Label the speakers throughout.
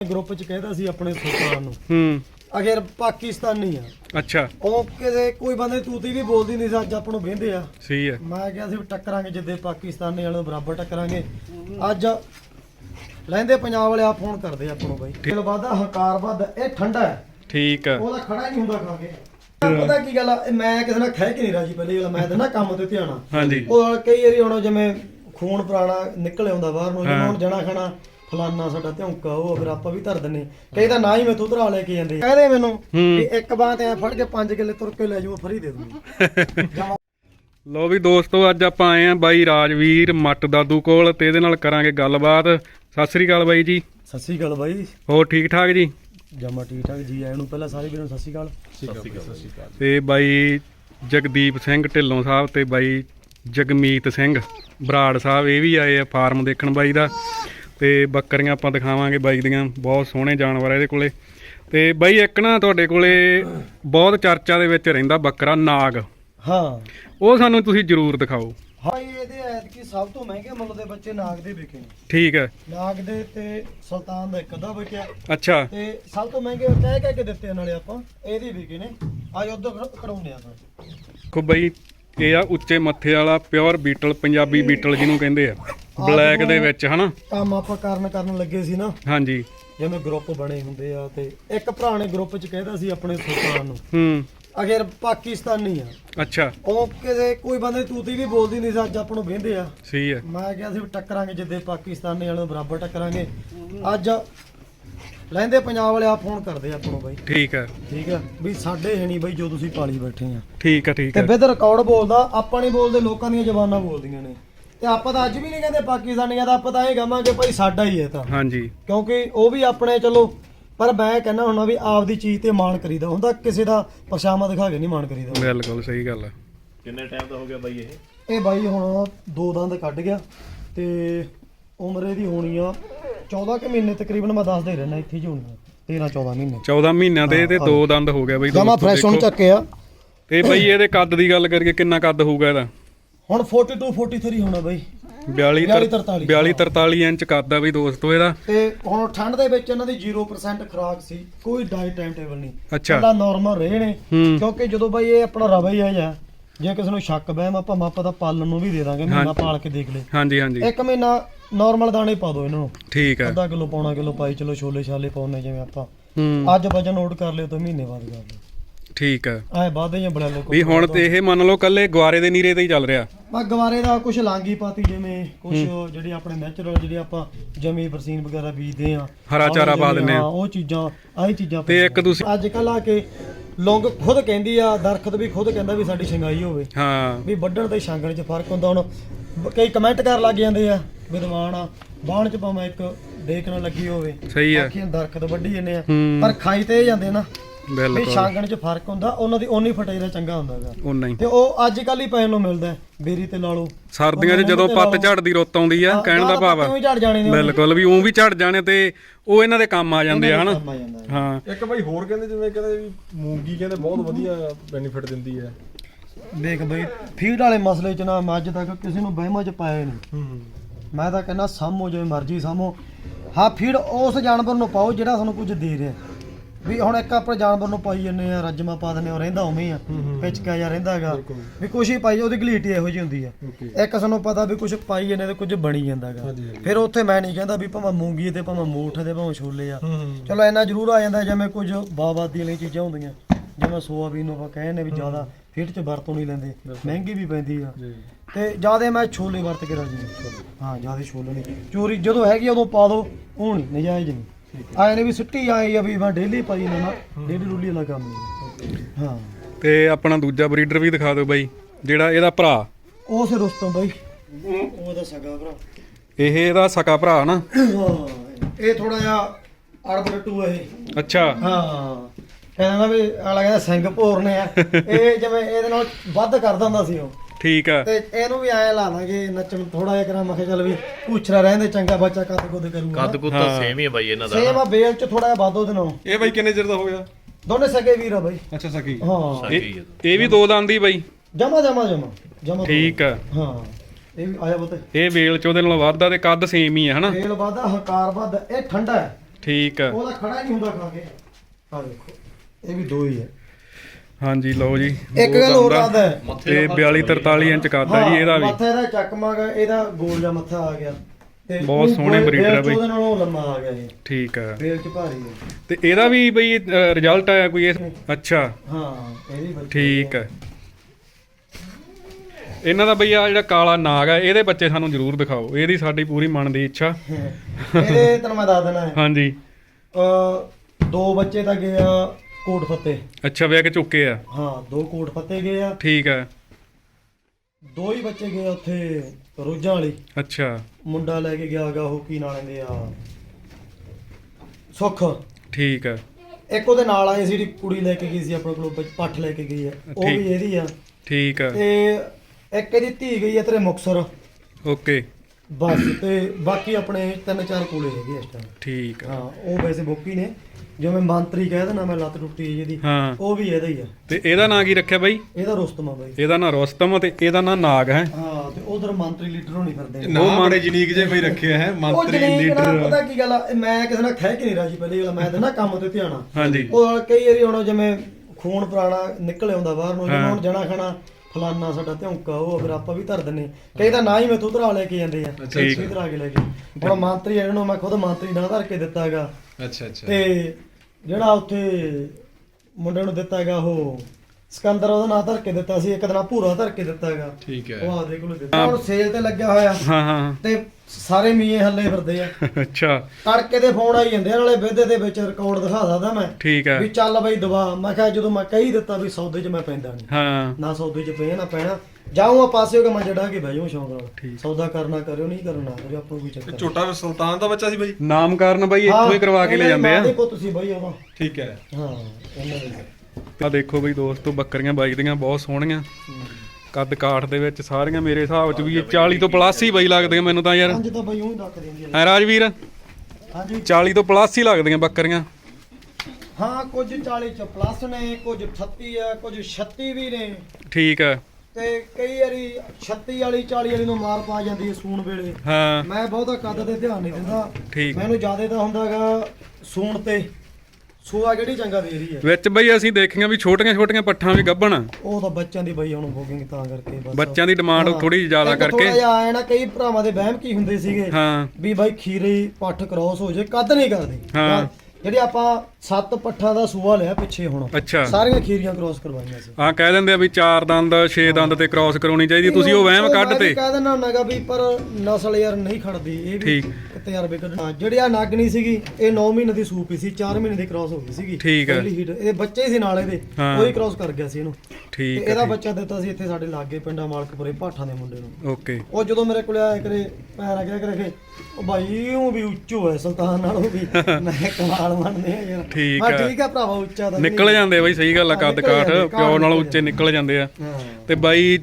Speaker 1: Group च कहता सी अपने सुल्तान नूं अगर पाकिस्तानी आ
Speaker 2: अच्छा
Speaker 1: ਉਹ ਕਿਸੇ ਕੋਈ ਬੰਦੇ ਤੂਤੀ ਵੀ ਬੋਲਦੀ ਨਹੀਂ ਸੀ ਅੱਜ ਆਪਾਂ ਨੂੰ ਵਹਿੰਦੇ ਆ
Speaker 2: ਸਹੀ ਹੈ
Speaker 1: ਮੈਂ ਕਿਹਾ ਸੀ ਟੱਕਰਾਂਗੇ ਜਿੱਦੇ ਪਾਕਿਸਤਾਨੀ ਵਾਲਿਆਂ ਨੂੰ ਬਰਾਬਰ ਟੱਕਰਾਂਗੇ ਅੱਜ ਲੈਂਦੇ ਪੰਜਾਬ ਵਾਲੇ ਆ ਫੋਨ ਕਰਦੇ ਆਪਾਂ ਨੂੰ ਬਾਈ ਦਿਲ ਵਾਦਾ ਹੰਕਾਰ ਵੱਧ ਇਹ ਠੰਡਾ ਹੈ
Speaker 2: ਠੀਕ ਹੈ
Speaker 1: ਉਹਦਾ ਖੜਾ ਹੀ ਨਹੀਂ ਹੁੰਦਾ ਖਾ ਕੇ ਪਤਾ ਕੀ ਗੱਲ ਆ ਮੈਂ ਕਿਸੇ ਨਾਲ ਖਹਿ ਕੇ ਨਹੀਂ ਰਾਜੀ ਪਹਿਲੇ ਗੱਲ ਮੈਂ ਤਾਂ ਨਾ ਕੰਮ ਤੇ ਧਿਆਣਾ
Speaker 2: ਹਾਂਜੀ
Speaker 1: ਉਹ ਕਈ ਵਾਰੀ ਹੁਣ ਜਿਵੇਂ ਖੂਨ ਪੁਰਾਣਾ ਨਿਕਲ ਆਉਂਦਾ ਬਾਹਰ ਨੂੰ ਜਿਵੇਂ ਹੁਣ ਜਣਾ ਖਾਣਾ ਫਲਾਨਾ ਸਾਡਾ ਧੌਂਕਾ ਉਹ ਫਿਰ ਆਪਾਂ ਵੀ ਧਰ ਦਿੰਨੇ ਕਈ ਤਾਂ ਨਾ ਹੀ ਮੈਂ ਧਰਾ ਲੈ ਕੇ ਜਾਂਦੇ ਕਹਿੰਦੇ ਮੈਨੂੰ ਵੀ ਇੱਕ ਬਾਹ ਤੇ ਐ ਫੜ ਕੇ 5 ਕਿੱਲੇ ਤੁਰ ਕੇ ਲੈ ਜਾਊਂ ਫਰੀ ਦੇ ਦੂੰਗਾ
Speaker 2: ਲੋ ਵੀ ਦੋਸਤੋ ਅੱਜ ਆਪਾਂ ਆਏ ਆ ਬਾਈ ਰਾਜਵੀਰ ਮੱਟ ਦਾਦੂ ਕੋਲ ਤੇ ਇਹਦੇ ਨਾਲ ਕਰਾਂਗੇ ਗੱਲਬਾਤ। ਸਤਿ ਸ੍ਰੀ ਅਕਾਲ ਬਾਈ ਜੀ।
Speaker 1: ਸਤਿ ਸ੍ਰੀ ਅਕਾਲ ਬਾਈ।
Speaker 2: ਹੋਰ ਠੀਕ ਠਾਕ ਜੀ?
Speaker 1: ਜਮਾ ਠੀਕ ਠਾਕ ਜੀ। ਆਇਆਂ ਨੂੰ ਪਹਿਲਾਂ ਸਾਰੇ ਵੀਰਾਂ ਨੂੰ ਸਤਿ ਸ੍ਰੀ ਅਕਾਲ।
Speaker 2: ਤੇ ਬਾਈ ਜਗਦੀਪ ਸਿੰਘ ਢਿੱਲੋਂ ਸਾਹਿਬ ਤੇ ਬਾਈ ਜਗਮੀਤ ਸਿੰਘ ਬਰਾੜ ਸਾਹਿਬ ਇਹ ਵੀ ਆਏ ਆ ਫਾਰਮ ਦੇਖਣ ਬਾਈ ਦਾ ਤੇ ਬੱਕਰੀਆਂ ਆਪਾਂ ਦਿਖਾਵਾਂਗੇ ਬਾਈ ਦੀਆਂ। ਬਹੁਤ ਸੋਹਣੇ ਜਾਨਵਰ ਆ ਇਹਦੇ ਕੋਲੇ। ਤੇ ਬਾਈ ਇੱਕ ਨਾ ਤੁਹਾਡੇ ਕੋਲੇ ਬਹੁਤ ਚਰਚਾ ਦੇ ਵਿੱਚ ਰਹਿੰਦਾ ਬੱਕਰਾ ਨਾਗ।
Speaker 1: ਹਾਂ
Speaker 2: ਉਹ ਸਾਨੂੰ ਤੁਸੀਂ ਜ਼ਰੂਰ ਦਿਖਾਓ।
Speaker 1: ਹਾਂ ਇਹਦੇ ਐਤਕੀ ਸਭ ਤੋਂ ਮਹਿੰਗੇ ਮੁੱਲ ਦੇ ਬੱਚੇ ਨਾਗ ਦੇ ਵਿਕੇ ਨੇ।
Speaker 2: ਠੀਕ ਹੈ।
Speaker 1: ਨਾਗ ਦੇ ਤੇ ਸੁਲਤਾਨ ਦਾ ਇੱਕ ਅੱਧਾ ਵਿਕਿਆ।
Speaker 2: ਅੱਛਾ
Speaker 1: ਤੇ ਸਭ ਤੋਂ ਮਹਿੰਗੇ ਕਹਿ ਕੇ ਦਿੱਤੇ ਨਾਲੇ ਆਪਾਂ ਇਹਦੇ ਵਿਕੇ ਨੇ। ਅੱਜ ਉਧਰ ਕਰਾਉਂਦੇ ਆ
Speaker 2: ਦੇਖੋ ਬਾਈ ਇਹ ਆ ਉੱਚੇ ਮੱਥੇ ਵਾਲਾ ਪਿਓਰ ਬੀਟਲ ਪੰਜਾਬੀ ਬੀਟਲ ਜਿਹਨੂੰ ਕਹਿੰਦੇ ਆ ਬਲੈਕ ਦੇ ਵਿੱਚ ਹਨਾ
Speaker 1: ਕੰਮ ਆਪਾਂ ਕਰਨ ਲੱਗੇ ਸੀ ਨਾ।
Speaker 2: ਹਾਂਜੀ
Speaker 1: ਜਿਵੇਂ ਗਰੁੱਪ ਬਣੇ ਹੁੰਦੇ ਆ ਤੇ ਇੱਕ ਭਰਾ ਨੇ ਗਰੁੱਪ ਚ ਕਹਿੰਦਾ ਸੀ ਆਪਣੇ ਸੁਲਤਾਨ ਨੂੰ ਅਗਰ ਪਾਕਿਸਤਾਨੀ ਆ
Speaker 2: ਅੱਛਾ
Speaker 1: ਉਹ ਕਿਸੇ ਕੋਈ ਬੰਦੇ ਤੂਤੀ ਵੀ ਬੋਲਦੀ ਨਹੀਂ ਸੀ ਅੱਜ ਆਪਾਂ ਨੂੰ ਵਹਿੰਦੇ ਆ
Speaker 2: ਸਹੀ ਹੈ
Speaker 1: ਮੈਂ ਕਿਹਾ ਸੀ ਟੱਕਰਾਂਗੇ ਜਿੱਦੇ ਪਾਕਿਸਤਾਨੀ ਵਾਲਿਆਂ ਨੂੰ ਬਰਾਬਰ ਟੱਕਰਾਂਗੇ ਅੱਜ ਲੈਂਦੇ ਪੰਜਾਬ ਵਾਲੇ ਆ ਫੋਨ ਕਰਦੇ ਆਪਾਂ ਨੂੰ ਬਾਈ।
Speaker 2: ਠੀਕ ਹੈ
Speaker 1: ਵੀ ਸਾਡੇ ਹੈ ਨਹੀਂ ਬਾਈ ਜੋ ਤੁਸੀਂ ਪਾਲੀ ਬੈਠੇ ਆ।
Speaker 2: ਠੀਕ ਹੈ
Speaker 1: ਤੇ ਬਿੱਧ ਰਿਕਾਰਡ ਬੋਲਦਾ ਆਪਾਂ ਨਹੀਂ ਬੋਲਦੇ ਲੋਕਾਂ ਦੀਆਂ ਜ਼ਬਾਨਾਂ ਬੋਲਦੀਆਂ ਨੇ ਤੇ ਆਪਾਂ ਤਾਂ ਅੱਜ ਵੀ ਨਹੀਂ ਕਹਿੰਦੇ ਪਾਕਿਸਤਾਨੀਆਂ ਦਾ ਆਪਾਂ ਤਾਂ ਇਹ ਕਹਾਂਗੇ ਭਾਈ ਸਾਡਾ ਹੀ ਹੈ ਤਾਂ।
Speaker 2: ਹਾਂਜੀ
Speaker 1: ਕਿਉਂਕਿ ਉਹ ਵੀ ਆਪਣੇ ਚਲੋ ਪਰ ਮੈਂ ਕਹਿੰਦਾ ਹੁੰਦਾ ਵੀ ਆਪਦੀ ਚੀਜ਼ ਤੇ ਮਾਣ ਕਰੀਦਾ ਹੁੰਦਾ ਕਿਸੇ ਦਾ ਪਰਛਾਵਾਂ ਦਿਖਾ ਕੇ ਨਹੀਂ ਮਾਣ ਕਰੀਦਾ।
Speaker 2: ਬਿਲਕੁਲ ਸਹੀ ਗੱਲ ਹੈ।
Speaker 3: ਕਿੰਨੇ ਟਾਈਮ ਦਾ ਹੋ ਗਿਆ ਬਾਈ
Speaker 1: ਇਹ ਬਾਈ ਹੁਣ 2 ਦੰਦ ਕੱਢ ਗਿਆ ਤੇ ਉਮਰ ਇਹਦੀ ਹੋਣੀ ਆ 14 ਕਿ ਮਹੀਨੇ ਤਕਰੀਬਨ। ਮੈਂ ਦੱਸਦਾ ਹੀ ਰਹਿਣਾ ਇੱਥੇ ਹੀ ਹੋਣੀ ਆ 13-14 ਮਹੀਨੇ
Speaker 2: 14 ਮਹੀਨਿਆਂ ਦੇ ਤੇ 2 ਦੰਦ ਹੋ ਗਿਆ ਬਾਈ।
Speaker 1: ਜਮਾ ਫਰੈਸ਼ ਹੁਣ ਚੱਕਿਆ।
Speaker 2: ਤੇ ਬਾਈ ਇਹਦੇ ਕੱਦ ਦੀ ਗੱਲ ਕਰੀਏ ਕਿੰਨਾ ਕੱਦ ਹੋਊਗਾ ਇਹਦਾ?
Speaker 1: ਹੁਣ 42-43 ਹੋਣਾ ਬਾਈ।
Speaker 2: 42-43 ਇੰਚ ਕੱਦ ਆ ਬਈ ਦੋਸਤੋ ਇਹਦਾ।
Speaker 1: ਤੇ ਹੁਣ ਠੰਡ ਦੇ ਵਿੱਚ ਇਹਨਾਂ ਦੀ 0% ਖੁਰਾਕ ਸੀ ਕੋਈ ਡਾਈਟ ਟਾਈਮ ਟੇਬਲ ਨਹੀਂ।
Speaker 2: ਅੱਛਾ
Speaker 1: ਇਹਦਾ ਨਾਰਮਲ ਰਹੇ ਨੇ ਕਿਉਂਕਿ ਜਦੋਂ ਬਾਈ ਇਹ ਆਪਣਾ ਰਵਾ ਹੀ ਆ ਜਾ ਜੇ ਕਿਸੇ ਨੂੰ ਸ਼ੱਕ ਵਹਿਮ ਆਪਾਂ ਮਾਪਾ ਦਾ ਪਾਲਣ ਨੂੰ ਵੀ ਦੇ ਦਾਂਗੇ ਮਹੀਨਾ ਪਾਲ ਕੇ ਦੇਖ ਲੈ।
Speaker 2: ਹਾਂਜੀ ਹਾਂਜੀ
Speaker 1: 1 ਮਹੀਨਾ ਨਾਰਮਲ ਦਾਣੇ ਪਾ ਦਿਓ ਇਹਨਾਂ ਨੂੰ।
Speaker 2: ਠੀਕ ਹੈ।
Speaker 1: ਅੱਧਾ ਕਿਲੋ ਪੌਣਾ ਕਿਲੋ ਪਾਈ ਚਲੋ ਛੋਲੇ ਛਾਲੇ ਪਾਉਣੇ ਜਿਵੇਂ ਆਪਾਂ ਅੱਜ ਵਜਨ ਨੋਟ ਕਰ ਲਿਓ ਤਾਂ ਮਹੀਨੇ ਬਾਅਦ ਕਰ ਲਿਓ।
Speaker 2: ਠੀਕ ਹੈ।
Speaker 1: ਐ ਵਾਧੇ ਜਾਂ ਬੜਾ ਲੋਕ
Speaker 2: ਵੀ ਹੁਣ ਤੇ ਇਹ ਮੰਨ ਲਓ ਕੱਲੇ ਗਵਾਰੇ ਦੇ ਨੀਰੇ ਤੇ ਹੀ ਚੱਲ ਰਿਹਾ।
Speaker 1: ਮੈਂ ਗਵਾਰੇ ਦਾ ਕੁਝ ਲਾਂਗੀ ਪਾਤੀ ਜਿਵੇਂ ਕੁਝ ਜਿਹੜੀ ਆਪਣੇ ਨੈਚੁਰਲ ਜਿਹੜੀ ਆਪਾਂ ਜਮੀ ਬਰਸੀਨ ਵਗੈਰਾ ਬੀਜਦੇ ਆ
Speaker 2: ਹਰਾ ਚਾਰਾ ਪਾ ਦਿੰਦੇ ਆ
Speaker 1: ਉਹ ਚੀਜ਼ਾਂ ਆਹੀ ਚੀਜ਼ਾਂ
Speaker 2: ਤੇ ਇੱਕ ਤੁਸੀਂ
Speaker 1: ਅੱਜ ਕੱਲ ਆ ਕੇ ਲੋਕ ਖੁਦ ਕਹਿੰਦੀ ਆ ਦਰਖਤ ਵੀ ਖੁਦ ਕਹਿੰਦਾ ਵੀ ਸਾਡੀ ਛੰਗਾਈ ਹੋਵੇ।
Speaker 2: ਹਾਂ
Speaker 1: ਵੀ ਵੱਢਣ ਤੇ ਛਾਂਗਣ 'ਚ ਫਰਕ ਹੁੰਦਾ। ਹੁਣ ਕਈ ਕਮੈਂਟ ਕਰਨ ਲੱਗ ਜਾਂਦੇ ਆ ਵਿਦਵਾਨ ਆ ਬਾਣ 'ਚ ਭਾਵੇਂ ਇੱਕ ਡੇਕ ਨਾਲ ਲੱਗੀ ਹੋਵੇ
Speaker 2: ਸਹੀ ਹੈ
Speaker 1: ਆਖੀ ਦਰਖਤ ਵੱਢੀ ਜਾਂਦੇ ਆ ਪਰ ਖਾਈ ਤੇ ਜਾਂਦੇ ਨਾ ਵੀ
Speaker 2: ਬਿਲਕੁਲ
Speaker 1: ਛਾਂਗਣ 'ਚ ਫਰਕ ਹੁੰਦਾ। ਉਹਨਾਂ ਦੀ ਓਨੀ ਫਟਾਈ ਦਾ ਚੰਗਾ ਹੁੰਦਾ ਗਾ
Speaker 2: ਉਨਾ ਹੀ।
Speaker 1: ਤੇ ਉਹ ਅੱਜ ਕੱਲ ਹੀ ਪੈਣ ਨੂੰ ਮਿਲਦਾ ਬੇਰੀ ਤੇ ਲਾ ਲਓ
Speaker 2: ਸਰਦੀਆਂ 'ਚ ਜਦੋਂ ਪੱਤ ਝੜਦੀ ਰੁੱਤ ਆਉਂਦੀ ਆ ਕਹਿਣ ਦਾ ਭਾਵ ਆ
Speaker 1: ਝੜ ਜਾਣੇ ਨੇ
Speaker 2: ਬਿਲਕੁਲ ਵੀ ਉਹ ਵੀ ਝੜ ਜਾਣੇ ਤੇ ਉਹ ਇਹਨਾਂ ਦੇ ਕੰਮ ਆ ਜਾਂਦੇ ਆ ਹਨਾ। ਹਾਂ
Speaker 3: ਇੱਕ ਬਾਈ ਹੋਰ ਕਹਿੰਦੇ ਜਿਵੇਂ ਕਹਿੰਦੇ ਵੀ ਮੂੰਗੀ ਕਹਿੰਦੇ ਬਹੁਤ ਵਧੀਆ ਬੈਨੀਫਿਟ ਦਿੰਦੀ ਹੈ।
Speaker 1: ਦੇਖ ਬਈ ਫੀਡ ਵਾਲੇ ਮਸਲੇ 'ਚ ਨਾ ਮੈਂ ਅੱਜ ਤੱਕ ਕਿਸੇ ਨੂੰ ਵਹਿਮਾਂ 'ਚ ਪਾਇਆ ਨਹੀਂ। ਮੈਂ ਤਾਂ ਕਹਿੰਦਾ ਸਾਹਮੋ ਜਿਵੇਂ ਮਰਜ਼ੀ ਸਾਹਮੋ। ਹਾਂ ਫੀਡ ਉਸ ਜਾਨਵਰ ਨੂੰ ਪਾਓ ਜਿਹੜਾ ਤੁਹਾਨੂੰ ਕੁਝ ਦੇ ਰਿਹਾ। ਵੀ ਹੁਣ ਇੱਕ ਆਪਣੇ ਜਾਨਵਰ ਨੂੰ ਪਾਈ ਜੰਨੇ ਆ ਰੱਜਮਾ ਪਾ ਦਿੰਦੇ ਉਹ ਰਹਿੰਦਾ ਉਵੇਂ ਆ ਪਿਚਕਾ ਜਾਂ ਰਹਿੰਦਾ ਹੈਗਾ ਵੀ ਕੁਛ ਹੀ ਪਾਈ ਉਹਦੀ ਗਲੀਟੀ ਇਹੋ ਜਿਹੀ ਹੁੰਦੀ ਆ। ਇੱਕ ਸਾਨੂੰ ਪਤਾ ਵੀ ਕੁਝ ਪਾਈ ਜੰਨੇ ਤੇ ਕੁਝ ਬਣੀ ਜਾਂਦਾ ਹੈਗਾ। ਫਿਰ ਉੱਥੇ ਮੈਂ ਨਹੀਂ ਕਹਿੰਦਾ ਵੀ ਭਾਵੇਂ ਮੂੰਗੀ ਤੇ ਭਾਵੇਂ ਮੂਠ ਤੇ ਭਾਵੇਂ ਛੋਲੇ ਆ ਚਲੋ ਇੰਨਾ ਜ਼ਰੂਰ ਆ ਜਾਂਦਾ ਜਿਵੇਂ ਕੁਝ ਬਾਵਾਦੀ ਵਾਲੀਆਂ ਚੀਜ਼ਾਂ ਹੁੰਦੀਆਂ ਜਿਵੇਂ ਸੋਆਬੀਨ ਨੂੰ ਆਪਾਂ ਕਹਿੰਦੇ ਵੀ ਜ਼ਿਆਦਾ ਫੀਡ 'ਚ ਵਰਤੋਂ ਨਹੀਂ ਲੈਂਦੇ ਮਹਿੰਗੀ ਵੀ ਪੈਂਦੀ ਆ ਤੇ ਜ਼ਿਆਦਾ ਮੈਂ ਛੋਲੇ ਵਰਤ ਕੇ ਰਾਜੀ ਹਾਂ ਜ਼ਿਆਦਾ ਛੋਲੇ ਨਹੀਂ ਚੋਰੀ ਜਦੋਂ ਹੈਗੀ ਉਦੋਂ ਪਾ ਦੋ ਉਹ ਨਹੀਂ ਨਜਾਇਜ਼ ਨਹੀਂ ਆਏ ਨੇ ਵੀ ਸਿੱਟੀ ਆਏ ਆ ਵੀ ਮੈਂ ਡੇਲੀ ਪਾਈ ਨਾ ਡੇਲੀ ਰੂਲੀ ਵਾਲਾ ਕੰਮ ਨਹੀਂ। ਹਾਂ
Speaker 2: ਤੇ ਆਪਣਾ ਦੂਜਾ ਬਰੀਡਰ ਵੀ ਦਿਖਾ ਦਿਓ ਬਾਈ ਜਿਹੜਾ ਇਹਦਾ ਭਰਾ
Speaker 1: ਉਹ ਸੇ ਰੁਸਤਮ ਬਾਈ ਉਹਦਾ ਸਗਾ ਭਰਾ
Speaker 2: ਇਹ ਇਹਦਾ ਸਕਾ ਭਰਾ ਨਾ।
Speaker 1: ਹਾਂ ਇਹ ਥੋੜਾ ਜਿਹਾ ਅੜਬੜਟੂ ਇਹ।
Speaker 2: ਅੱਛਾ
Speaker 1: ਹਾਂ ਕਹਿੰਦਾ ਵੀ ਆਲਾ ਕਹਿੰਦਾ ਸਿੰਘ ਭੋਰਨੇ ਆ ਇਹ ਜਿਵੇਂ ਇਹਦੇ ਨਾਲ ਵੱਧ ਕਰਦਾ ਹੁੰਦਾ ਸੀ ਉਹ। ਠੀਕ ਆ ਤੇ ਇਹਨੂੰ ਵੀ ਐ ਲਾ ਦਾਂਗੇ ਨੱਚਣ ਥੋੜਾ ਜਿਹਾ ਕਰਾਂ ਮੈਂ ਕਿਹਾ ਚੱਲ ਵੀ ਪੁੱਛਰਾ ਰਹਿੰਦੇ ਚੰਗਾ ਬੱਚਾ ਕੱਦ ਕੁੱਦ ਕਰੂਗਾ।
Speaker 3: ਕੱਦ ਕੁੱਦ ਤਾਂ ਸੇਮ ਹੀ ਆ ਬਾਈ ਇਹਨਾਂ ਦਾ।
Speaker 1: ਸੇਮ ਆ ਬੇਲ ਚ ਥੋੜਾ ਜਿਹਾ ਵੱਧ ਉਹਦੇ ਨਾਲ।
Speaker 2: ਇਹ ਬਾਈ ਕਿੰਨੇ ਚਿਰ ਦਾ ਹੋ ਗਿਆ?
Speaker 1: ਦੋਨੇ ਸਕੇ ਵੀਰ ਆ ਬਾਈ।
Speaker 2: ਅੱਛਾ ਸਕੀ।
Speaker 1: ਹਾਂ
Speaker 2: ਇਹ ਵੀ 2 ਦੰਦ ਹੀ ਬਾਈ।
Speaker 1: ਜਮਾ
Speaker 2: ਠੀਕ ਆ।
Speaker 1: ਹਾਂ ਇਹ ਆਇਆ ਬਤ
Speaker 2: ਇਹ ਵੇਲ ਚ ਉਹਦੇ ਨਾਲ ਵੱਧਦਾ ਤੇ ਕੱਦ ਸੇਮ ਹੀ ਆ ਹਨਾ।
Speaker 1: ਵੇਲ ਵੱਧਦਾ ਹੰਕਾਰ ਵੱਧ ਇਹ ਠੰਡਾ ਹੈ
Speaker 2: ਠੀਕ ਆ
Speaker 1: ਉਹਦਾ ਖੜਾ ਹੀ ਨਹੀਂ ਹੁੰਦਾ ਖਾ ਕੇ। ਆ ਦੇਖੋ ਇਹ ਵੀ ਦੋ ਹੀ ਹੈ।
Speaker 2: ਹਾਂਜੀ ਲਓ ਜੀ
Speaker 1: ਇੱਕ ਗੱਲ ਹੋਰ ਆਦਾ ਹੈ
Speaker 2: ਤੇ 42 43 ਇੰਚ ਕਰਦਾ ਜੀ ਇਹਦਾ ਵੀ
Speaker 1: ਮੱਥਾ ਇਹਦਾ ਚੱਕਮਾਗਾ, ਇਹਦਾ ਗੋਲ ਜਿਹਾ ਮੱਥਾ ਆ ਗਿਆ ਤੇ
Speaker 2: ਬਹੁਤ ਸੋਹਣੇ ਬਰੀਡਰ ਆ ਬਈ।
Speaker 1: ਉਹਦੇ ਨਾਲੋਂ ਲੰਮਾ ਆ ਗਿਆ ਇਹ,
Speaker 2: ਠੀਕ ਆ
Speaker 1: ਬੇਲ ਚ ਭਾਰੀ ਹੈ।
Speaker 2: ਤੇ ਇਹਦਾ ਵੀ ਬਈ ਰਿਜ਼ਲਟ ਆਇਆ ਕੋਈ ਇਸ? ਅੱਛਾ
Speaker 1: ਹਾਂ ਇਹਦੀ ਬੱਚੀ
Speaker 2: ਠੀਕ ਹੈ। ਇਹਨਾਂ ਦਾ ਬਈ ਆ ਜਿਹੜਾ ਕਾਲਾ ਨਾਗ ਆ ਇਹਦੇ ਬੱਚੇ ਸਾਨੂੰ ਜ਼ਰੂਰ ਦਿਖਾਓ, ਇਹਦੀ ਸਾਡੀ ਪੂਰੀ ਮਨ ਦੀ ਇੱਛਾ।
Speaker 1: ਇਹਦੇ ਤੈਨੂੰ ਮੈਂ ਦੱਸ ਦੇਣਾ ਹੈ।
Speaker 2: ਹਾਂਜੀ
Speaker 1: ਦੋ ਬੱਚੇ ਤਾਂ ਗਏ ਆ ਕੋਟ ਫੱਤੇ।
Speaker 2: ਅੱਛਾ ਵਿਕ ਚੁੱਕੇ ਆ?
Speaker 1: ਹਾਂ 2 ਕੋਟ ਫੱਤੇ ਗਏ ਆ।
Speaker 2: ਠੀਕ ਆ।
Speaker 1: 2 ਹੀ ਬੱਚੇ ਗਏ ਉੱਥੇ ਰੋਜਾਂ ਵਾਲੀ।
Speaker 2: ਅੱਛਾ
Speaker 1: ਮੁੰਡਾ ਲੈ ਕੇ ਗਿਆ ਗਾ, ਉਹ ਕੀ ਨਾਂ ਲੈਂਦੇ ਆ, ਸੁੱਖ।
Speaker 2: ਠੀਕ ਆ
Speaker 1: ਇੱਕ ਉਹਦੇ ਨਾਲ ਆਏ ਸੀ, ਜਿਹੜੀ ਕੁੜੀ ਲੈ ਕੇ ਗਈ ਸੀ ਆਪਣੇ ਕੋਲੋਂ, ਪੱਠ ਲੈ ਕੇ ਗਈ ਆ, ਉਹ
Speaker 2: ਠੀਕ।
Speaker 1: ਵੀ ਇਹਦੀ ਆ।
Speaker 2: ਠੀਕ ਆ
Speaker 1: ਤੇ ਇੱਕ ਇਹਦੀ ਧੀ ਗਈ ਆ ਤੇਰੇ ਮੁਕਤਸਰ
Speaker 2: ਓਕੇ
Speaker 1: ਬਸ। ਤੇ ਬਾਕੀ ਆਪਣੇ 3-4 ਕੋਲੇ ਹੈਗੇ ਇਸ ਟਾਈਮ।
Speaker 2: ਠੀਕ ਆ
Speaker 1: ਹਾਂ ਉਹ ਵੈਸੇ ਬੋਕੀ ਨੇ, ਜਿਵੇਂ ਮੰਤਰੀ ਕਹਿ ਦੇਣਾ ਮੈਂ ਲੱਤ ਟੁੱਟੀ ਹੈ ਜਿਹਦੀ,
Speaker 2: ਹਾਂ।
Speaker 1: ਉਹ ਵੀ ਇਹਦਾ ਹੀ ਆ।
Speaker 2: ਤੇ ਇਹਦਾ ਨਾਂ ਕੀ ਰੱਖਿਆ ਬਾਈ?
Speaker 1: ਇਹਦਾ ਰੁਸਤਮ ਆ ਬਾਈ।
Speaker 2: ਇਹਦਾ ਨਾਂ ਰੁਸਤਮ ਤੇ ਇਹਦਾ ਨਾਂ ਨਾਗ ਹੈ।
Speaker 1: ਹਾਂ ਤੇ ਉਧਰ ਮੰਤਰੀ ਲੀਡਰ ਹੋਣੀ ਫਿਰਦੇ ਨੇ।
Speaker 3: ਨਾਮ ਬੜੇ ਯੂਨੀਕ ਜੇ ਬਈ ਰੱਖਿਆ ਹੈ,
Speaker 1: ਉਹ
Speaker 3: ਮੰਤਰੀ
Speaker 1: ਜਲੀਕ ਨਾਲ
Speaker 3: ਲੀਡਰ।
Speaker 1: ਪਤਾ ਕੀ ਗੱਲ ਆ, ਮੈਂ ਕਿਸੇ ਨਾਲ ਖਹਿ ਕੇ ਨਹੀਂ ਰਾਜੀ। ਪਹਿਲੀ ਗੱਲ ਮੈਂ ਤਾਂ ਨਾ ਕੰਮ ਤੇ ਧਿਆਨ ਆ।
Speaker 2: ਹਾਂਜੀ
Speaker 1: ਉਹ ਕਈ ਵਾਰੀ ਹੁਣ ਜਿਵੇਂ ਖੂਨ ਪੁਰਾਣਾ ਨਿਕਲ ਆਉਂਦਾ ਬਾਹਰ ਨੂੰ, ਜਿਵੇਂ ਹੁਣ ਜਣਾ ਖਾਣਾ ਫਲਾਨਾ ਸਾਡਾ ਧੌਂਕਾ, ਉਹ ਫਿਰ ਆਪਾਂ ਵੀ ਧਰ ਦਿੰਨੇ। ਕਈ ਤਾਂ ਨਾ ਹੀ ਮੈਂ ਧਰਾ ਲੈ ਕੇ ਜਾਂਦੇ ਆ,
Speaker 2: ਠੀਕ।
Speaker 1: ਧਰਾ ਕੇ ਲੈ ਕੇ। ਹੁਣ ਮੰਤਰੀ ਇਹਨਾਂ ਨੂੰ ਮੈਂ ਖੁਦ ਮੰਤਰੀ ਨਾ ਧਰ ਕੇ ਦਿੱਤਾ ਹੈਗਾ।
Speaker 3: ਅੱਛਾ ਅੱਛਾ।
Speaker 1: ਤੇ ਜਿਹੜਾ ਉੱਥੇ ਮੁੰਡੇ ਨੂੰ ਦਿੱਤਾ ਹੈਗਾ ਉਹ ਸਿਕੰਦਰ, ਉਹਦਾ ਨਾਂ ਧਰ ਕੇ ਦਿੱਤਾ ਸੀ। ਇੱਕ ਦਿਨ ਭੂਰਾ ਧਰ ਕੇ ਦਿੱਤਾ ਹੈਗਾ,
Speaker 3: ਠੀਕ ਹੈ।
Speaker 1: ਉਹ ਆਪਦੇ ਕੋਲ ਦਿੱਤਾ। ਹੁਣ ਸੇਲ ਤੇ ਲੱਗਿਆ ਹੋਇਆ
Speaker 2: ਹਾਂ ਹਾਂ
Speaker 1: ਤੇ ਸਾਰੇ ਮੀਏ ਹੱਲੇ ਫਿਰਦੇ ਆ।
Speaker 2: ਅੱਛਾ
Speaker 1: ਤੜਕੇ ਦੇ ਫੋਨ ਆਈ ਜਾਂਦੇ ਆ, ਨਾਲੇ ਵਿਹਦੇ ਦੇ ਵਿੱਚ ਰਿਕਾਰਡ ਦਿਖਾ ਸਕਦਾ ਮੈਂ
Speaker 2: ਠੀਕ ਆ
Speaker 1: ਵੀ ਚੱਲ ਬਈ ਦਵਾ। ਮੈਂ ਕਿਹਾ ਜਦੋਂ ਮੈਂ ਕਹੀ ਦਿੱਤਾ ਵੀ ਸੌਦੇ 'ਚ ਮੈਂ ਪੈਂਦਾ ਨਹੀਂ,
Speaker 2: ਹਾਂ
Speaker 1: ਨਾ ਸੌਦੇ 'ਚ ਪਿਆ ਨਾ ਪੈਣਾ, ਜਾਊਂਗਾ ਪਾਸੇ ਹੋ ਕੇ ਮੈਂ ਜੜਾ ਕੇ ਬਹਿ ਜਾਊਂ ਸ਼ੌਂਕ ਨਾਲ।
Speaker 2: ਠੀਕ।
Speaker 1: ਸੌਦਾ ਕਰਨਾ ਕਰਿਓ, ਨਹੀਂ ਕਰਨਾ ਕਰਿਓ, ਆਪਾਂ ਨੂੰ ਕੋਈ ਚੱਕਰ ਨਹੀਂ।
Speaker 3: ਝੋਟਾ ਸੁਲਤਾਨ ਦਾ ਬੱਚਾ ਸੀ ਬਈ?
Speaker 2: ਨਾਮਕਰਨ ਬਾਈ ਇੱਥੋਂ ਹੀ ਕਰਵਾ ਕੇ ਲੈ ਜਾਂਦੇ ਆ।
Speaker 1: ਦੇਖੋ ਤੁਸੀਂ ਬਈ ਉਹਦਾ।
Speaker 3: ਠੀਕ ਹੈ।
Speaker 1: ਹਾਂ ਇਹਨਾਂ ਦੇ
Speaker 2: ਆ ਦੇਖੋ ਬਈ ਦੋਸਤੋ ਬੱਕਰੀਆਂ ਬਾਈ ਦੀਆਂ ਬਹੁਤ ਸੋਹਣੀਆਂ, ਕੱਦ ਕਾਠ ਦੇ ਵਿੱਚ ਸਾਰੀਆਂ ਮੇਰੇ ਹਿਸਾਬ 'ਚ ਵੀ ਇਹ 40 ਤੋਂ ਪਲੱਸ ਹੀ ਬਾਈ ਲੱਗਦੀਆਂ ਮੈਨੂੰ ਤਾਂ ਯਾਰ।
Speaker 1: ਪੰਜ ਤਾਂ ਬਈ ਉਹ ਹੀ ਰੱਖ ਦਿੰਦੀ ਆ।
Speaker 2: ਹੈ ਰਾਜਵੀਰ?
Speaker 1: ਹਾਂਜੀ
Speaker 2: 40 ਤੋਂ ਪਲੱਸ ਹੀ ਲੱਗਦੀਆਂ ਬੱਕਰੀਆਂ।
Speaker 1: ਹਾਂ ਕੁਝ 40 ਚ ਪਲੱਸ ਨੇ, ਕੁਝ 38 ਆ, ਕੁਝ 36 ਵੀ ਨੇ।
Speaker 2: ਠੀਕ ਆ
Speaker 1: ਤੇ ਕਈ ਵਾਰੀ 36 ਵਾਲੀ 40 ਵਾਲੀ ਨੂੰ ਮਾਰ ਪਾ ਜਾਂਦੀ ਹੈ ਸੂਣ ਵੇਲੇ।
Speaker 2: ਹਾਂ
Speaker 1: ਮੈਂ ਬਹੁਤਾ ਕੱਦ ਤੇ ਧਿਆਨ ਨਹੀਂ ਦਿੰਦਾ।
Speaker 2: ਠੀਕ।
Speaker 1: ਮੈਨੂੰ ਜ਼ਿਆਦਾ ਤਾਂ ਹੁੰਦਾਗਾ ਸੂਣ ਤੇ ਸੂਆ ਕਿਹੜੀ ਚੰਗਾ ਦੇ ਰਹੀ ਹੈ।
Speaker 2: ਵਿੱਚ ਬਈ ਅਸੀਂ ਦੇਖੀਆਂ ਵੀ ਛੋਟੀਆਂ ਛੋਟੀਆਂ ਪੱਠਾਂ ਵੀ ਗੱਭਣ,
Speaker 1: ਉਹ ਤਾਂ ਬੱਚਿਆਂ ਦੀ ਬਈ ਹੁਣ ਬੁਕਿੰਗ ਤਾਂ ਕਰਕੇ ਬਸ
Speaker 2: ਬੱਚਿਆਂ ਦੀ ਡਿਮਾਂਡ ਥੋੜੀ ਜ਼ਿਆਦਾ ਕਰਕੇ।
Speaker 1: ਥੋੜਾ ਜਿਹਾ ਆਇਆ ਨਾ, ਕਈ ਭਰਾਵਾਂ ਦੇ ਵਹਿਮ ਕੀ ਹੁੰਦੇ ਸੀਗੇ
Speaker 2: ਹਾਂ
Speaker 1: ਵੀ ਬਾਈ ਖੀਰੇ ਪੱਠ ਕ੍ਰਾਸ ਹੋ ਜੇ, ਕੱਦ ਨਹੀਂ ਕਰਦੇ।
Speaker 2: ਹਾਂ।
Speaker 1: ਜਿਹੜੇ ਆਪਾਂ 7 ਪੱਠਾਂ ਦਾ ਸੂਆ ਲਿਆ ਪਿੱਛੇ ਹੁਣ,
Speaker 2: ਅੱਛਾ
Speaker 1: ਸਾਰੀਆਂ ਖੀਰੀਆਂ ਕ੍ਰਾਸ ਕਰਵਾਈਆਂ ਸੀ।
Speaker 2: ਆ ਕਹਿ ਦਿੰਦੇ ਆ ਵੀ 4 ਦੰਦ 6 ਦੰਦ ਤੇ ਕ੍ਰਾਸ ਕਰਾਉਣੀ ਚਾਹੀਦੀ, ਤੁਸੀਂ ਉਹ ਵਹਿਮ ਕੱਢ ਤੇ।
Speaker 1: ਕਹਿ ਦਿੰਦਾ ਹੁੰਨਾਗਾ ਵੀ ਪਰ ਨਸਲ ਯਾਰ ਨਹੀਂ ਖੜਦੀ, ਇਹ ਵੀ
Speaker 2: ਠੀਕ।
Speaker 1: ਤਜਰਬੇ ਕੱਢਣਾ। ਜਿਹੜੀ ਆ ਨਾਗਣੀ ਸੀਗੀ ਇਹ 9 ਮਹੀਨੇ ਦੀ ਸੂਪੀ ਸੀ, 4 ਮਹੀਨੇ ਦੀ ਕ੍ਰਾਸ ਹੋ ਗਈ ਸੀਗੀ।
Speaker 2: ਠੀਕ ਹੈ।
Speaker 1: ਪਹਿਲੀ ਹੀਟ ਇਹ ਬੱਚੇ ਸੀ ਨਾਲ ਇਹਦੇ,
Speaker 2: ਹਾਂ।
Speaker 1: ਉਹੀ ਕ੍ਰਾਸ ਕਰ ਗਿਆ ਸੀ ਇਹਨੂੰ। ਤੇ
Speaker 2: ਠੀਕ
Speaker 1: ਇਹਦਾ
Speaker 2: ਹੈ
Speaker 1: ਬੱਚਾ ਦਿੱਤਾ ਸੀ ਇੱਥੇ ਸਾਡੇ ਲਾਗੇ ਪਿੰਡਾਂ ਮਾਲਕਪੁਰੇ ਭਾਠਾਂ ਦੇ ਮੁੰਡੇ ਨੂੰ।
Speaker 2: ਓਕੇ
Speaker 1: ਉਹ ਜਦੋਂ ਮੇਰੇ ਕੋਲ ਆਇਆ ਕਰੇ ਪੈਰ ਆ ਗਿਆ ਕਰੇ, ਉਹ ਬਾਈ ਉਹ ਵੀ ਉੱਚੋ ਹੈ ਸੁਲਤਾਨ ਨਾਲੋਂ ਵੀ। ਮੈਂ ਕਮਾਲ ਮੰਨਦੇ ਆ ਯਾਰ।
Speaker 2: ਠੀਕ
Speaker 1: ਮੈਂ
Speaker 2: ਆ।
Speaker 1: ਠੀਕ ਆ ਭਰਾਵਾ, ਉੱਚਾ ਤਾਂ
Speaker 2: ਨਿਕਲ ਜਾਂਦੇ ਆ ਬਈ, ਸਹੀ ਗੱਲ ਆ, ਕੱਦ
Speaker 1: ਨਿਕਲ
Speaker 2: ਕਾਠ
Speaker 1: ਜਾਂਦੇ,
Speaker 2: ਪਿਓ ਨਾਲੋਂ
Speaker 1: ਨਿਕਲ
Speaker 2: ਉੱਚੇ ਨਿਕਲ ਜਾਂਦੇ ਆ।
Speaker 1: ਹਾਂ।
Speaker 2: ਤੇ ਬਾਈ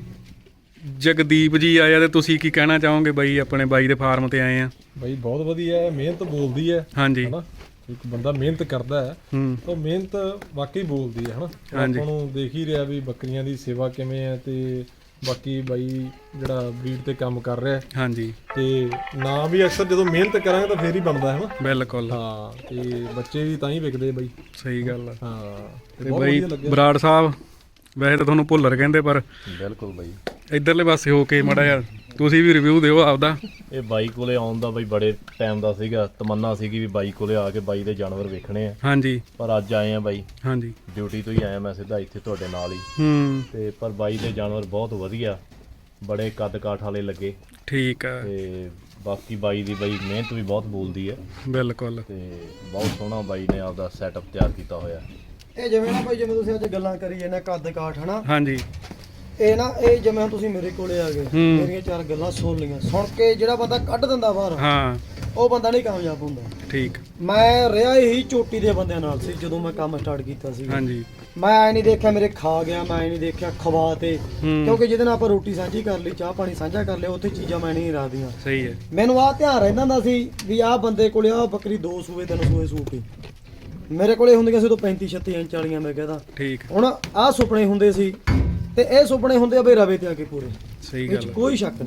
Speaker 2: ਜਗਦੀਪ ਜੀ ਆਏ ਆ ਤੇ ਤੁਸੀਂ ਕੀ ਕਹਿਣਾ ਚਾਹੋਗੇ ਬਾਈ? ਆਪਣੇ ਬਾਈ ਦੇ ਫਾਰਮ ਤੇ ਆਏ ਆ।
Speaker 3: ਬਈ ਬਹੁਤ ਵਧੀਆ ਹੈ, ਮਿਹਨਤ ਬੋਲਦੀ ਹੈ
Speaker 2: ਹਾਂਜੀ
Speaker 3: ਹਨਾ। ਇੱਕ ਬੰਦਾ ਮਿਹਨਤ ਕਰਦਾ ਹੈ ਤਾਂ ਮਿਹਨਤ ਵਾਕਈ ਬੋਲਦੀ ਹੈ ਹਨਾ।
Speaker 2: ਹਾਂਜੀ।
Speaker 3: ਆਪਾਂ ਨੂੰ ਦੇਖ ਹੀ ਰਿਹਾ ਵੀ ਬੱਕਰੀਆਂ ਦੀ ਸੇਵਾ ਕਿਵੇਂ ਹੈ, ਤੇ ਬਾਕੀ ਬਾਈ ਜਿਹੜਾ ਬਰੀਡ ਤੇ ਕੰਮ ਕਰ ਰਿਹਾ
Speaker 2: ਹਾਂਜੀ
Speaker 3: ਤੇ ਨਾ ਵੀ ਅਕਸਰ ਜਦੋਂ ਮਿਹਨਤ ਕਰਾਂਗੇ ਤਾਂ ਫੇਰ ਹੀ ਬਣਦਾ ਹੈ ਨਾ।
Speaker 2: ਬਿਲਕੁਲ
Speaker 3: ਹਾਂ ਤੇ ਬੱਚੇ ਵੀ ਤਾਂ ਹੀ ਵਿਕਦੇ ਬਾਈ।
Speaker 2: ਸਹੀ ਗੱਲ ਆ।
Speaker 3: ਹਾਂ
Speaker 2: ਤੇ ਬਾਈ ਬਰਾੜ ਸਾਹਿਬ ਵੈਸੇ ਤਾਂ ਤੁਹਾਨੂੰ ਭੁੱਲਰ ਕਹਿੰਦੇ, ਪਰ
Speaker 4: ਬਿਲਕੁਲ ਬਾਈ
Speaker 2: ਇਧਰਲੇ ਪਾਸੇ ਹੋ ਕੇ ਮਾੜਾ ਜਿਹਾ ਤੁਸੀਂ ਵੀ ਰਿਵਿਊ ਦਿਓ ਆਪਦਾ।
Speaker 4: ਇਹ ਬਾਈ ਕੋਲੇ ਆਉਣ ਦਾ ਬਾਈ ਬੜੇ ਟਾਈਮ ਦਾ ਸੀਗਾ, ਤਮੰਨਾ ਸੀਗੀ ਵੀ ਬਾਈ ਕੋਲੇ ਆ ਕੇ ਬਾਈ ਦੇ ਜਾਨਵਰ ਵੇਖਣੇ ਆ,
Speaker 2: ਹਾਂਜੀ
Speaker 4: ਪਰ ਅੱਜ ਆਏ ਆ ਬਾਈ।
Speaker 2: ਹਾਂਜੀ
Speaker 4: ਡਿਊਟੀ ਤੋਂ ਹੀ ਆਇਆ ਮੈਂ ਸਿੱਧਾ ਇੱਥੇ ਤੁਹਾਡੇ ਨਾਲ ਹੀ। ਤੇ ਪਰ ਬਾਈ ਦੇ ਜਾਨਵਰ ਬਹੁਤ ਵਧੀਆ, ਬੜੇ ਕੱਦ ਕਾਠ ਵਾਲੇ ਲੱਗੇ।
Speaker 2: ਠੀਕ ਆ।
Speaker 4: ਤੇ ਬਾਕੀ ਬਾਈ ਦੀ ਬਾਈ ਮਿਹਨਤ ਵੀ ਬਹੁਤ ਬੋਲਦੀ ਹੈ।
Speaker 2: ਬਿਲਕੁਲ।
Speaker 4: ਤੇ ਬਹੁਤ ਸੋਹਣਾ ਬਾਈ ਨੇ ਆਪਦਾ ਸੈਟਅਪ ਤਿਆਰ ਕੀਤਾ ਹੋਇਆ।
Speaker 1: ਇਹ ਜਿਵੇਂ ਨਾ ਭਾਈ, ਜਿਵੇਂ ਤੁਸੀਂ ਅੱਜ ਗੱਲਾਂ ਕਰੀ ਜਾਂਦੇ ਕੱਦ ਕਾਠ ਹਨਾ,
Speaker 2: ਹਾਂਜੀ
Speaker 1: ਇਹ ਨਾ ਇਹ ਜਿਵੇਂ ਹੁਣ ਤੁਸੀਂ ਮੇਰੇ ਕੋਲੇ ਆ ਗਏ, ਮੇਰੀਆਂ 4 ਗੱਲਾਂ ਸੁਣ ਲਈਆਂ, ਸੁਣ ਕੇ ਜਿਹੜਾ ਬੰਦਾ ਕੱਢ ਦਿੰਦਾ ਬਾਹਰ,
Speaker 2: ਹਾਂ
Speaker 1: ਉਹ ਬੰਦਾ ਨਹੀਂ ਕਾਮਯਾਬ ਹੁੰਦਾ।
Speaker 2: ਠੀਕ।
Speaker 1: ਮੈਂ ਰਿਹਾ ਹੀ ਚੋਟੀ ਦੇ ਬੰਦਿਆਂ ਨਾਲ ਸੀ ਜਦੋਂ ਮੈਂ ਕੰਮ ਸਟਾਰਟ ਕੀਤਾ ਸੀ।
Speaker 2: ਹਾਂਜੀ
Speaker 1: ਮੈਂ ਐ ਨਹੀਂ ਦੇਖਿਆ ਮੇਰੇ ਖਾ ਗਿਆ, ਮੈਂ ਐ ਨਹੀਂ ਦੇਖਿਆ ਖਵਾ ਤੇ, ਕਿਉਂਕਿ ਜਿਹਦੇ ਨਾਲ ਆਪਾਂ ਰੋਟੀ ਸਾਂਝੀ ਕਰ ਲਈ, ਚਾਹ ਪਾਣੀ ਸਾਂਝਾ ਕਰ ਲਿਆ, ਉੱਥੇ ਚੀਜ਼ਾਂ ਮੈਂ ਨਹੀਂ ਰੱਖਦੀਆਂ।
Speaker 2: ਸਹੀ ਹੈ।
Speaker 1: ਮੈਨੂੰ ਆਹ ਧਿਆਨ ਰਹਿੰਦਾ ਹੁੰਦਾ ਸੀ ਵੀ ਆਹ ਬੰਦੇ ਕੋਲੇ ਆਹ ਬੱਕਰੀ 2 ਸੂਏ 3 ਸੂਏ ਸੂਪੀ, ਮੇਰੇ ਕੋਲੇ ਹੁੰਦੀਆਂ ਸੀ ਉਦੋਂ 35 36 ਇੰਚ ਵਾਲੀਆਂ। ਮੈਂ ਕਹਿੰਦਾ
Speaker 2: ਠੀਕ।
Speaker 1: ਹੁਣ ਆਹ ਸੁਪਨੇ ਹੁੰਦੇ ਸੀ ਤੇ ਇਹ ਸੁਪਨੇ ਹੁੰਦੇ ਆ ਬਈ ਰਵੇ ਤੇ ਆ ਕੇ ਪੂਰੇ,
Speaker 2: ਸਹੀ
Speaker 1: ਇਹ 'ਚ
Speaker 2: ਗੱਲ
Speaker 1: ਕੋਈ ਸ਼ੱਕ ਨਹੀਂਗਾ।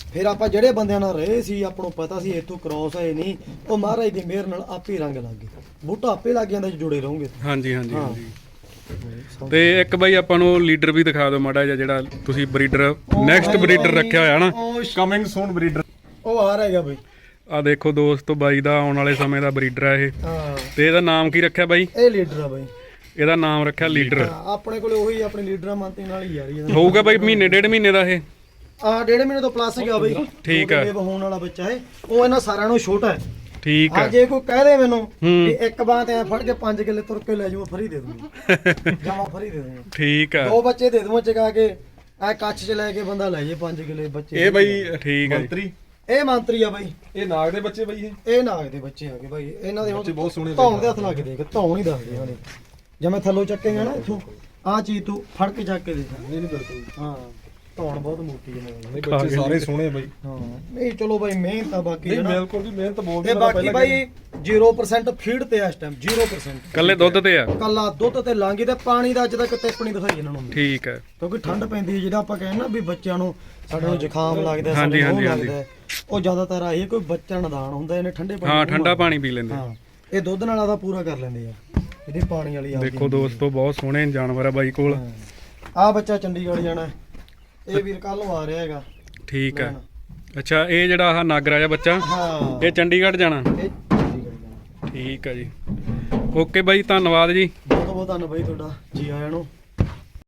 Speaker 1: ਫਿਰ ਆਪਾਂ ਜਿਹੜੇ ਬੰਦਿਆਂ ਨਾਲ ਰਹੇ ਸੀ ਆਪਾਂ ਨੂੰ ਪਤਾ ਸੀ ਇੱਥੋਂ ਕ੍ਰੋਸ ਹੈ ਨਹੀਂ, ਉਹ ਮਹਾਰਾਜ ਦੀ ਮਿਹਰ ਨਾਲ ਆਪੇ ਹੀ ਰੰਗ ਲੱਗ ਗਏ, ਬੂਟਾ ਆਪੇ ਲੱਗ ਜਾਂਦਾ ਜੇ ਜੁੜੇ ਰਹੋਗੇ।
Speaker 2: ਹਾਂਜੀ ਹਾਂਜੀ ਹਾਂਜੀ। ਤੇ ਇੱਕ ਬਾਈ ਆਪਾਂ ਨੂੰ ਲੀਡਰ ਵੀ ਦਿਖਾ ਦਿਓ ਮਾੜਾ ਜਿਹਾ, ਜਿਹੜਾ ਤੁਸੀਂ ਬਰੀਡਰ ਨੈਕਸਟ ਬਰੀਡਰ ਰੱਖਿਆ ਹੋਇਆ ਨਾ।
Speaker 3: Coming soon breeder.
Speaker 1: ਉਹ ਆ ਰਿਹਾ ਹੈਗਾ ਬਾਈ,
Speaker 2: ਆ ਦੇਖੋ ਦੋਸਤੋ, ਬਾਈ ਦਾ ਆਉਣ ਵਾਲੇ ਸਮੇਂ ਦਾ ਬਰੀਡਰ ਆ ਇਹ।
Speaker 1: ਹਾਂ
Speaker 2: ਤੇ ਇਹਦਾ ਨਾਮ ਕੀ ਰੱਖਿਆ ਬਾਈ?
Speaker 1: ਇਹ ਲੀਡਰ ਆ ਬਾਈ,
Speaker 2: ਇਹਦਾ ਨਾਮ ਰੱਖਿਆ ਲੀਡਰ।
Speaker 1: ਆਪਣੇ ਕੋਲੇ ਉਹੀ ਆਪਣੇ ਲੀਡਰਾਂ ਮੰਤੇ ਨਾਲ ਹੀ ਯਾਰੀ ਇਹਦਾ।
Speaker 2: ਹੋਊਗਾ ਬਾਈ ਮਹੀਨੇ ਡੇਢ ਮਹੀਨੇ ਦਾ ਇਹ?
Speaker 1: ਆ 1.5 ਮਹੀਨੇ ਤੋਂ ਪਲੱਸ ਗਿਆ ਬਾਈ।
Speaker 2: ਠੀਕ ਆ।
Speaker 1: ਇਹ ਹੋਣ ਵਾਲਾ ਬੱਚਾ ਹੈ, ਉਹ ਇਹਨਾਂ ਸਾਰਿਆਂ ਨੂੰ ਛੋਟਾ ਹੈ।
Speaker 2: ਠੀਕ
Speaker 1: ਆ
Speaker 2: ਆ।
Speaker 1: ਜੇ ਕੋਈ ਕਹਿ ਦੇ ਮੈਨੂੰ ਵੀ ਇੱਕ ਬਾਤ ਐ ਫੜ ਕੇ 5 ਕਿੱਲੇ ਤੁਰ ਕੇ ਲੈ ਜਾਊ, ਫਰੀ ਦੇ ਦੂੰਗਾ, ਜਮਾ ਫਰੀ ਦੇ ਦੂੰਗਾ।
Speaker 2: ਠੀਕ ਆ।
Speaker 1: 2 ਬੱਚੇ ਦੇ ਦੂੰਗਾ ਚਗਾ ਕੇ, ਐ ਕੱਛ ਚ ਲੈ ਕੇ ਬੰਦਾ ਲੈ ਜੇ 5 ਕਿੱਲੇ ਬੱਚੇ।
Speaker 3: ਇਹ ਬਾਈ
Speaker 2: ਠੀਕ ਆ ਜੀ।
Speaker 3: ਮੰਤਰੀ,
Speaker 1: ਇਹ ਮੰਤਰੀ ਆ ਬਾਈ,
Speaker 3: ਇਹ ਨਾਗ ਦੇ ਬੱਚੇ ਬਾਈ।
Speaker 1: ਇਹ ਨਾਗ ਦੇ ਬੱਚੇ ਆ ਗਏ ਬਾਈ, ਇਹਨਾਂ ਦੇ
Speaker 3: ਬੱਚੇ ਬਹੁਤ ਸੋਹਣੇ
Speaker 1: ਧੌਣ ਦੇ ਹੱਥ ਲਾ ਕੇ ਦੇਖ, ਧੌਣ ਹੀ ਦੱਸਦੇ ਇਹਨਾਂ ਨੇ। ਜਿਵੇਂ ਥੱਲੋਂ ਚੱਕੇਗਾ ਨਾ ਇੱਥੋਂ, ਆਹ ਚੀਜ਼ ਤੂੰ ਫੜ ਕੇ ਚੱਕ ਕੇ ਦੇਖ।
Speaker 3: ਨਹੀਂ ਨਹੀਂ ਬਿਲਕੁਲ।
Speaker 1: ਹਾਂ ਧੌਣ ਬਹੁਤ ਮੋਟੀ ਹੈ
Speaker 3: ਨਹੀਂ ਬੱਚੇ ਸਾਰੇ ਸੋਹਣੇ ਬਾਈ।
Speaker 1: ਹਾਂ ਨਹੀਂ ਚਲੋ ਬਾਈ ਮਿਹਨਤ ਆ ਬਾਕੀ
Speaker 3: ਨਹੀਂ
Speaker 1: ਹੈ ਨਾ।
Speaker 3: ਬਿਲਕੁਲ ਜੀ, ਮਿਹਨਤ ਬਹੁਤ।
Speaker 1: ਤੇ ਬਾਕੀ ਬਾਈ 0% ਫੀਡ ਤੇ ਆ ਇਸ ਟਾਈਮ 0%।
Speaker 2: ਕੱਲੇ ਦੁੱਧ ਤੇ ਆ?
Speaker 1: ਕੱਲਾ ਦੁੱਧ ਤੇ ਲਾਂਗੀ ਤੇ ਪਾਣੀ ਦਾ ਅੱਜ ਤੱਕ ਟਿੱਪ ਨਹੀਂ ਦਿਖਾਈ ਇਹਨਾਂ ਨੂੰ।
Speaker 2: ਠੀਕ ਹੈ।
Speaker 1: ਕਿਉਂਕਿ ਠੰਡ ਪੈਂਦੀ ਹੈ, ਜਿਹੜਾ ਆਪਾਂ ਕਹਿੰਦੇ ਨਾ ਵੀ ਬੱਚਿਆਂ ਨੂੰ ਸਾਡੇ ਨੂੰ ਜ਼ੁਕਾਮ ਲੱਗਦਾ,
Speaker 2: ਹਾਂਜੀ,
Speaker 1: ਸਾਨੂੰ
Speaker 2: ਹਾਂਜੀ,
Speaker 1: ਲੱਗਦਾ ਹੈ, ਉਹ ਜ਼ਿਆਦਾਤਰ ਆਹੀ ਕੋਈ ਬੱਚਾ ਨਦਾਨ ਹੁੰਦਾ, ਇਹਨੇ ਠੰਡੇ ਪਾਣੀ
Speaker 2: ਹਾਂ
Speaker 1: ਨੂੰ
Speaker 2: ਠੰਡਾ ਪਾਣੀ ਪੀ ਲੈਂਦੇ।
Speaker 1: ਹਾਂ ਇਹ ਦੁੱਧ ਨਾਲ ਆਦਾ ਪੂਰਾ ਕਰ ਲੈਂਦੇ ਆ, ਇਹਦੀ ਪਾਣੀ ਵਾਲੀ ਆਪਦੀ
Speaker 2: ਦੇਖੋ ਦੋਸਤੋ, ਬਹੁਤ ਸੋਹਣੇ ਜਾਨਵਰ ਆ ਬਾਈ ਕੋਲ।
Speaker 1: ਆ ਬੱਚਾ ਚੰਡੀਗੜ੍ਹ ਜਾਣਾ, ਇਹ ਵੀਰ ਕੱਲ ਨੂੰ ਆ ਰਿਹਾ ਹੈਗਾ।
Speaker 2: ਠੀਕ ਹੈ। ਅੱਛਾ ਇਹ ਜਿਹੜਾ ਆਹ ਨਾਗਰਾ ਜਿਹਾ ਬੱਚਾ,
Speaker 1: ਹਾਂ
Speaker 2: ਇਹ ਚੰਡੀਗੜ੍ਹ ਜਾਣਾ?
Speaker 1: ਇਹ ਚੰਡੀਗੜ੍ਹ ਜਾਣਾ।
Speaker 2: ਠੀਕ ਹੈ ਜੀ। ਓਕੇ ਬਾਈ, ਧੰਨਵਾਦ ਜੀ।
Speaker 1: ਬਹੁਤ ਬਹੁਤ ਧੰਨਵਾਦ ਬਾਈ ਤੁਹਾਡਾ, ਜੀ ਆਇਆਂ ਨੂੰ।